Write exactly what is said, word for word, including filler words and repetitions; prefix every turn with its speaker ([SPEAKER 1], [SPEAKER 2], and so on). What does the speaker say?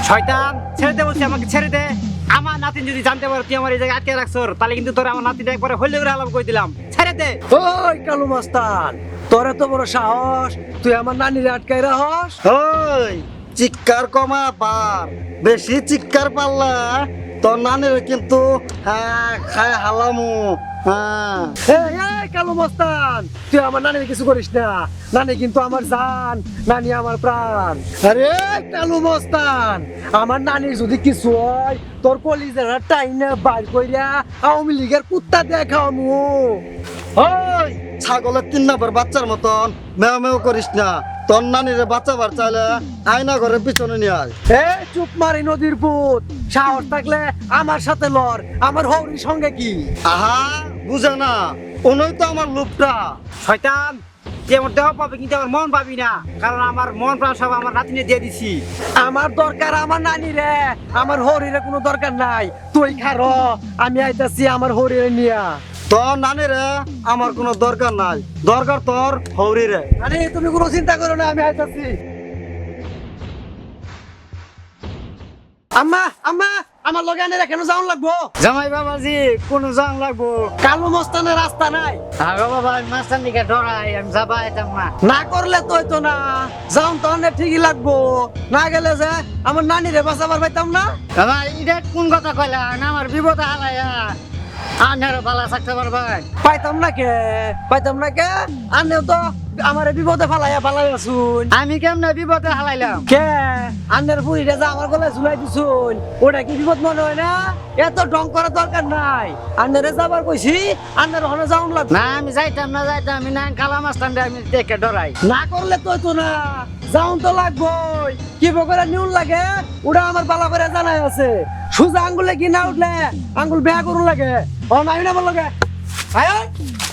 [SPEAKER 1] শয়তান ছেড়ে দে বলছি, আমাকে ছেড়ে দে। আমার নাতিন যদি জানতে পারে তুই আমার এই জায়গায় আটকে রাখছর, তাহলে কিন্তু তোর আমার নাতিটা একবারে হইলে করে আলাপ করে দিলাম। ছেড়ে দে।
[SPEAKER 2] ওই কালু মাস্তান, তোর এত বড় সাহস, তুই আমার নানির আটকাই রাখস?
[SPEAKER 3] ওই চিৎকার কমা পার, বেশি চিৎকার পারলা তোর নানির কিন্তু হ্যাঁ খায় হালামু। হ্যাঁ
[SPEAKER 2] এই, এই কালু মাস্তান, তুই আমার নানির কিছু করিস না। নানি কিন্তু আমার জান, নানি আমার প্রাণ। আরে কালু মাস্তান, আমার নানির যদি কিছু হয়, তোর কলিজার টাইনা বাইর কইরা আওয়ামী লীগের কুত্তা দেখামু।
[SPEAKER 3] ওই ছাগলের তিন নাম্বার বাচ্চার মতন মেও মেও করিস না। তোর নানিরে বাঁচাবার চাইলে আয়না ঘরের পিছনে নিয়ে আয়।
[SPEAKER 2] এ চুপ মারি নদীর পুত, সাহস থাকলে আমার সাথে লড়, আমার হৌরির সঙ্গে কি?
[SPEAKER 3] আহা বুঝে না, উনি তো আমার লোকটা।
[SPEAKER 1] শয়তান তুই আমার দেহ পাবি কিন্তু আমার মন পাবি না, কারণ আমার মন প্রাণ সব আমার নাতিনে দিয়ে দিছি।
[SPEAKER 2] আমার দরকার আমার নানি রে, আমার হরিরে কোনো দরকার নাই। তুই খারো, আমি আইতাছি আমার হরিরে নিয়া।
[SPEAKER 3] তোর নানিরে আমার কোনো দরকার নাই, দরকার তোর হৌরিরে।
[SPEAKER 2] আরে তুমি কোনো চিন্তা করো না, আমি আইতাছি। আম্মা আম্মা, আমার লগে আনে কেন যাওন লাগবো?
[SPEAKER 1] জামাই বাবাজি কোন জান লাগবো?
[SPEAKER 2] কালু মস্তানের রাস্তা নাই।
[SPEAKER 1] আগো বাবা আমি মাস্টার দিকে ডরাই, আমি যাবা এতাম না।
[SPEAKER 2] না করলে তুই তো না যাওন, তো অনেক ঠিকই লাগবো। না গেলে যে আমার নানিরে বাঁচাবার পাইতাম না।
[SPEAKER 1] আমার এটা কোন কথা কইলা না, আমার বিপদে হালাইয়া আনার বালা থাকতে পারবেন?
[SPEAKER 2] পাইতাম না কে, পাইতাম না কে। আনেও তো আমার বিপদে ফালাইয়া ফালাই আসুন।
[SPEAKER 1] আমি কেমনে বিপদে হালাইলাম?
[SPEAKER 2] কে আন্নের বুড়িটা যা আমার গলায় ঝুলাই দিছুন, ওটা কি বিপদ মনে হয় না? এত ডং করার দরকার নাই। আন্নারে যাবার কইছি, আন্নার ওখানে যাওন লাগবে।
[SPEAKER 1] না আমি যাইতাম না, যাইতাম আমি না, কালা মাস্টার আমি দেখে ডরাই।
[SPEAKER 2] না করলে তো তো না যাওন তো লাগবই। কি বকরে নিউন লাগে ওটা আমার বালা করে জানাই আছে। সুজা আঙ্গুলে কি না উঠলে আঙ্গুল বেয়া করুন লাগে। ও নাই না বল লাগে। আয়